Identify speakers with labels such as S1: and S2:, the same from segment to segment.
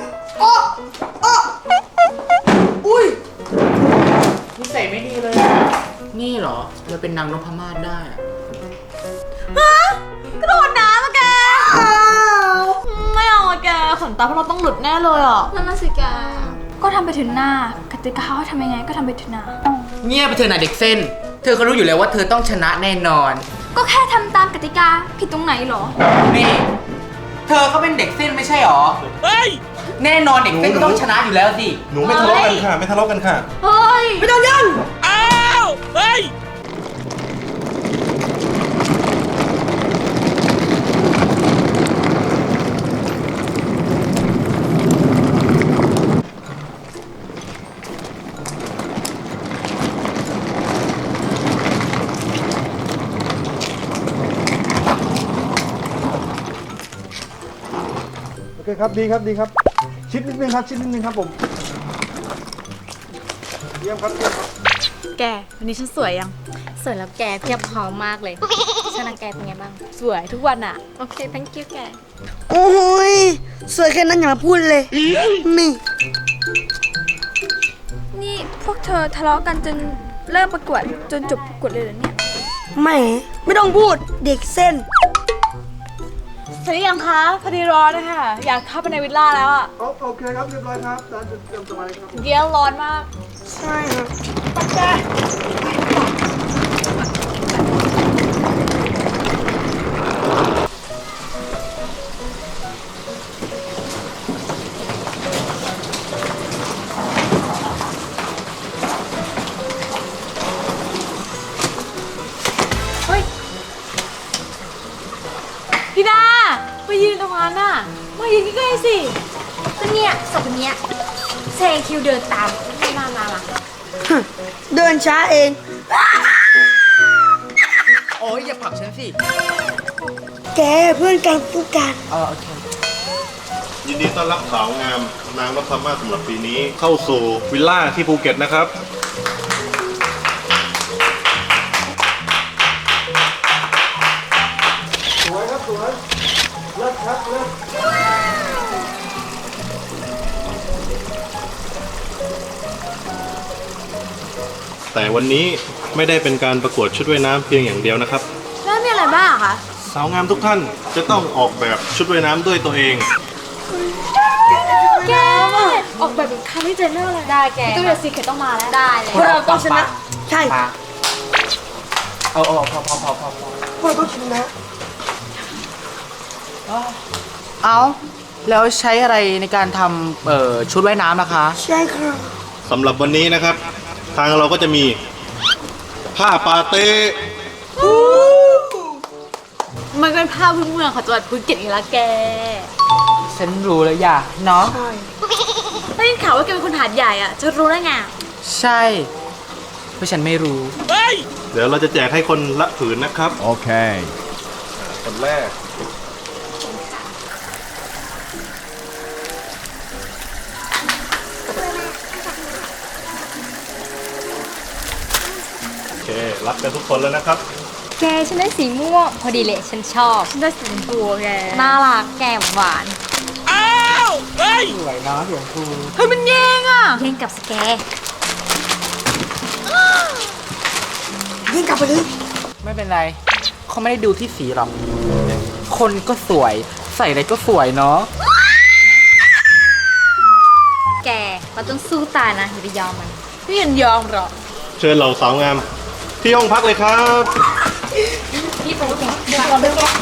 S1: โอ้โอ้อุ้ย
S2: นิสัยไม่ดีเลยนี่เหรอเราเป็นนางนพมาศได้อะ
S3: ฮะกระโดดน้ำอะแกไม่เอาอะแกขนตาพวกเราต้องหลุดแน่เลยอ่ะนั่นน่ะสิแกก็ทำไปถึงหน้ากติกาเขาให้ทำยังไงก็ทำไปถึงหน้า
S2: เงียบไปเถอะนะเด็กเส้นเธอก็รู้อยู่แล้วว่าเธอต้องชนะแน่นอน
S3: ก็แค่ทำตามกติกาผิดตรงไหนหรอ
S2: นี่เธอก็เป็นเด็กเส้นไม่ใช่หรอเฮ้ยแน่นอนเด็กเส้นก็ต้องชนะอยู่แล้วสิ
S4: หนูไม่ทะเลาะกันค่ะไม่ทะเลาะกันค่ะ
S3: เฮ้ย
S1: ไม่ต้องยัน
S2: อ้าวเฮ้ย
S4: โอเคครับดีครับดีครับชิดนิดนึงครับชิดนิดนึงครับผมเยี่ยมครับเยี่ยมครับ
S3: แกวันนี้ฉันสวยยัง
S5: สวยแล้วแกเพียบพร้อมมากเลยชนะแกเป็นไงบ้าง
S3: สวยทุกวันอ่ะโอเค thank you แก
S1: โอ้ยสวยแค่นั้นอย่ามาพูดเลยนี่
S3: นี่พวกเธอทะเลาะกันจนเริ่มประกวดจนจบประกวดเลยเหรอเนี่ย
S1: แหมไม่ต้องพูดเด็กเส้น
S3: เสร็จหรือยังคะพอดีร้อนนะคะอยากเข้าไปในวิลล่าแล้วอ่ะ
S4: โอเคครับเรียบร้อยครับร้านจะเตรียมสบายครับผม
S3: เดี๋ยวร้อนมาก
S1: ใช่ครับ
S3: พี่ดาไปยืนตรงนั้นน่ะมายืนใกล้ๆสิ
S5: ก็เนี่ยสองคนเนี้ยเซคิวเดินตามมา
S1: เดินช้าเอง
S2: โอ้ยอย่าผลักฉันสิ
S1: แกเพื่อนกันเพื่อนกัน
S2: โอเค
S4: ยินดีต้อนรับสาวงามนางนพมาศสำหรับปีนี้เข้าสู่วิลล่าที่ภูเก็ตนะครับสวยครับสวยเลิศครับเลิศแต่วันนี้ไม่ได้เป็นการประกวดชุดว่ายน้ำเพียงอย่างเดียวนะครับ
S3: แล้วมีอะไรบ้างคะ
S4: สาวงามทุกท่านจะต้องออกแบบชุดว่ายน้ำด้วยตัวเอง
S3: แกออกแบบเป็นคาร์ดิเจเนอร์เลย
S5: ได้แก
S3: ตัวเดียวซีเคทต้องมาแล้ว
S5: ได้เลย
S1: พวกเราต้องชนะ ใช่
S2: เอาพอ
S1: พวกเราต้องชนะ
S2: เอาแล้วใช้อะไรในการทำชุดว่ายน้ำนะคะ
S1: ใช่ครับ
S4: สำหรับวันนี้นะครับ ทางเราก็จะมีผ้าปาเต้
S3: มันเป็นภาพพื้นเมืองของจังหวัดภูเก็ตอีกแล้วแก
S2: ฉันรู้แล้วอย่าเนาะ
S1: ใช่
S3: ได้ยินข่าวว่าแกเป็นคนหาดใหญ่อ่ะ จะรู้ได้ไง
S2: ใช่เพราะฉันไม่รู้
S4: เดี๋ยวเราจะแจกให้คนละผืนนะครับ
S6: โอเค
S4: คนแรกโอเครับกันทุกคนแล้วนะครับ
S5: แกฉันได้สีม่วงพอดีเลยฉันชอบ
S3: ฉันได้สีชมพูอะแก
S5: น่ารักแก้มหวาน
S2: สวยนะเสียงครู
S3: เฮ้ยมันแย่งอ่ะ
S5: เล่นกับสแก
S1: ยิงกลับไปเลย
S2: ไม่เป็นไรเขาไม่ได้ดูที่สีหรอก คนก็สวย ใส่อะไรก็สวยเนาะ
S5: แกเราต้องสู้ตายนะอย่าไปยอมมัน
S3: พี่ยันยอมหรอ
S4: เชิญเหล่าสาวงามที่ห้องพักเลยครับ
S5: พี่ไปแกเดี๋ยวเราเดินแก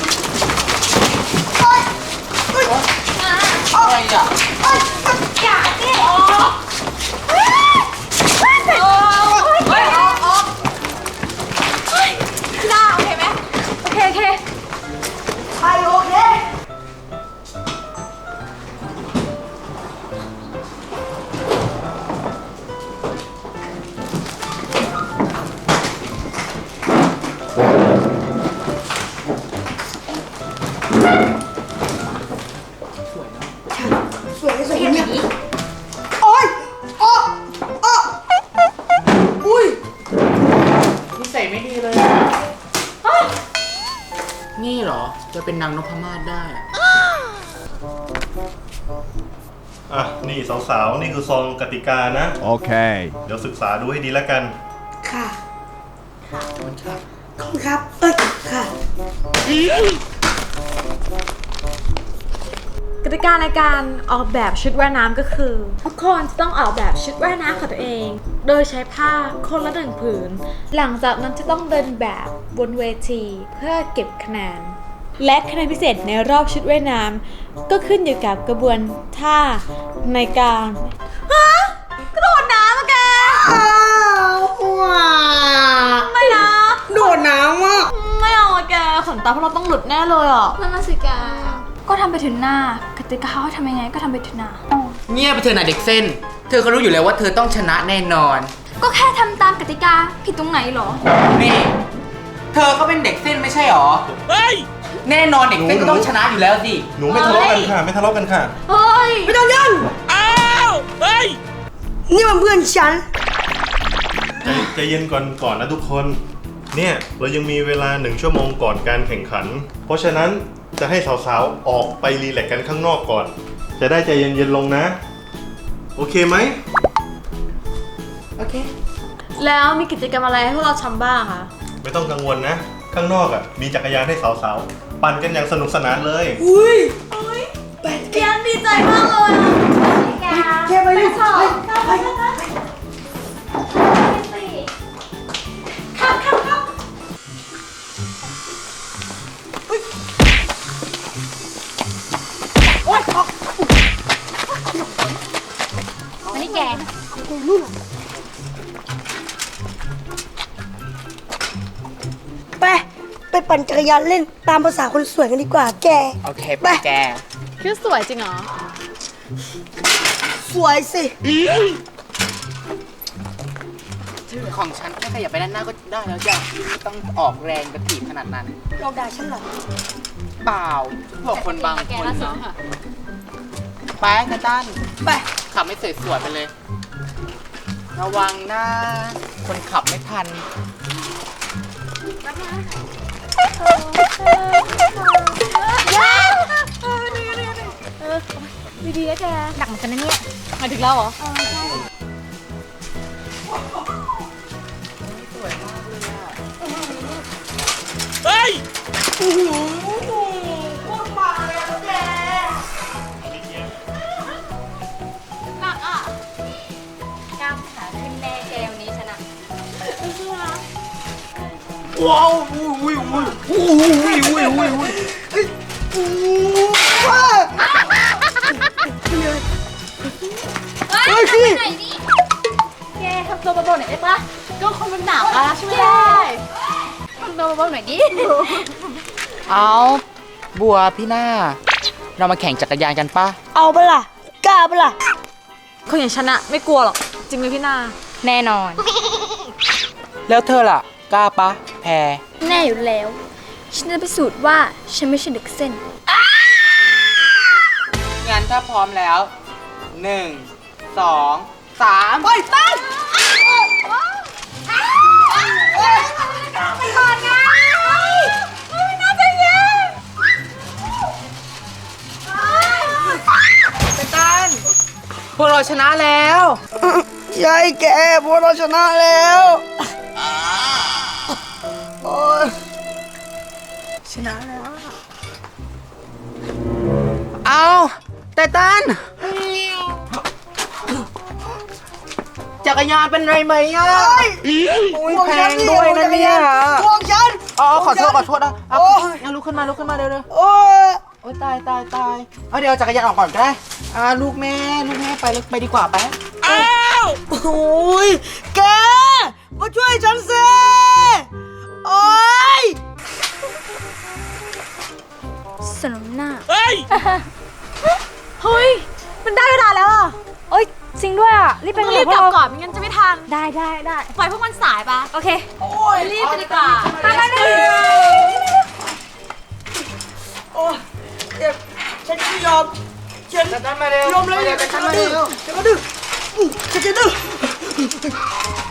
S2: อะไรอ่ะ
S5: อย่าเต้น
S3: พี่ดาโอเคไหมโอเคโอเค
S1: ไปโอเค สวยสวยเนี่ยโอ้ยโอ้โอ้อุ้ย
S2: นิสัยไม่ดีเลยนี่เหรอจะเป็นนางนพมาศได้อะ
S4: อ่ะนี่สาวๆนี่คือซองกติกานะ
S6: Okay.
S4: เดี๋ยวศึกษาดูให้ดีแล้วกัน
S1: ค่ะ
S2: ขอบคุณครับ
S1: ขอบคุณครับ เอ้ย ค่ะ
S3: กติกาในการออกแบบชุดว่ายน้ำก็คือ ทุกคนจะต้องออกแบบชุดว่ายน้ำของตัวเอง โดยใช้ผ้าคนละ1 ผืน หลังจากนั้นจะต้องเดินแบบบนเวทีเพื่อเก็บคะแนน และคะแนนพิเศษในรอบชุดว่ายน้ำก็ขึ้นอยู่กับกระบวนท่าในการกระโดดน้ำอะแก
S1: อ้าวว้า
S3: ไม่นะ
S1: โดดน้ำอ่ะ
S3: ไม่เอาอะแกขนตาพวกเราต้องหลุดแน่เลยอ่ะนั่นน่ะสิแกก็ทำไปถึงหน้ากติกาเขาให้ทำยังไงก็ทำไปถึงหน้า
S2: เงียบไปเถอะนะเด็กเส้น เธอก็รู้อยู่แล้วว่าเธอต้องชนะแน่นอน
S3: ก็แค่ทำตามกติกาผิดตรงไหนหรอ
S2: นี่ เธอก็เป็นเด็กเส้นไม่ใช่หรอ เฮ้ย แน่นอนเด็กเส้นก็ต้องชนะอยู่แล้วสิ
S4: หนูไม่ทะเลาะกันค่ะ ไม่ทะเลาะกันค่ะ
S3: เฮ้ย
S1: ไม่ต้องยันอ้าว เฮ้ย นี่มันเพื่อนฉัน
S4: ใจเย็นก่อนนะทุกคน เนี่ยเรายังมีเวลา1 ชั่วโมงก่อนการแข่งขัน เพราะฉะนั้นจะให้สาวๆออกไปรีแลกซ์กันข้างนอกก่อน จะได้ใจเย็นๆลงนะ โอเคไหม
S2: โอเค
S3: แล้วมีกิจกรรมอะไรให้พวกเราทำบ้างคะ
S4: ไม่ต้องกังวลนะ ข้างนอกอ่ะมีจักรยานให้สาวๆปั่นกันอย่างสนุกสนานเลย
S1: อุ้ยไป
S3: เกียนดีใจมากเลยอ่ะ
S1: แค่ไปดิไป
S5: มานี่แก
S1: ไปปั่นจักรยานเล่นตามภาษาคนสวยกันดีกว่าแก
S2: โอเคไปแก
S3: คิดสวยจริงเหรอ
S1: สวยสิ
S2: ของฉันแค่ขยับไปด้านหน้าก็ได้แล้วจ้ะไม่ต้องออกแรงกระถีบขนาดนั้น
S1: เราด่าฉันเหรอ
S2: เปล่าพวกคนบางคนเนาะไปกระตัน
S1: ไป
S2: ขับไม่สวยๆไปเลย ระวังนะ คนขับไม่ทัน
S3: ดีๆนะแกหนักเหมือนกันนะเนี่ยมาถึงแล้วเหรอ
S1: โอ้โหโคตรมาเลยอะแก
S3: หนักอ่ะ
S5: กล้ามขาขึ้นแน่แกวันนี้ชนะ
S2: ว้าวอุ้ยอุ้ยอุ้ยอุ้ยอุ้ยอุ้ยอุ้ย
S1: เฮ้ยพี่
S5: ไหนนี่
S3: แกทำตัวเบาๆหน่อยได้ปะก็คนมันหนาวอ่ะช่วยได้
S5: ทำตัวเบาๆหน่อยดิ
S2: เอาบัวพี่หน้า เรามาแข่งจักรยานกันปะ
S1: เอาปะล่ะ กล้าปะล่ะ
S3: คนอย่างฉันอะไม่กลัวหรอก จริงไหมพี่นา
S5: แน่นอน
S2: แล้วเธอล่ะ กล้าปะแพร
S5: แน่อยู่แล้ว ฉันจะพิสูจน์ว่าฉันไม่ใช่เด็กเส้น
S2: งั้นถ้าพร้อมแล้ว 1 2 3
S1: ไปไป
S2: พวกเราชนะแล้ว
S1: ใช่แกพวกเราชนะแล้วโอ้ย
S2: เอาไตตันจักรยานเป็นไรไหมอ่ะโอ้ยแพงด้วยนะเนี่ย
S1: พวกฉัน
S2: อ๋อขอโทษนะเอา
S1: โอ้ย
S2: งั้นลุกขึ้นมาเร็ว
S1: โอ้ย
S2: ๆโอ้ยตายเอาเดี๋ยวจักรยานออกก่อนก็ได้ลูกแม่ไปดีกว่าไป
S1: โอ้ยแก มาช่วยฉันสิโอ้ย
S5: สนมหน้า
S3: เฮ้ย มันได้เวลาแล้วอ่ะ
S5: เอ้ย จริงด้วยอ่ะ รีบไป
S3: รีบกลับก่อนไม่งั้นจะไม่ทัน
S5: ได้
S3: ปล่อยพวกมันสายปะ
S5: โอเค
S1: โอ้ย
S3: รีบไปดีกว่า
S1: โอ้ยเดี๋ยวฉันไม่ยอมฉัน
S2: ไตตันมาเร็วย
S1: อมเลย
S2: ไตตันมาเร็ว
S1: ฉันก็ดื้อฉันจะดื้อ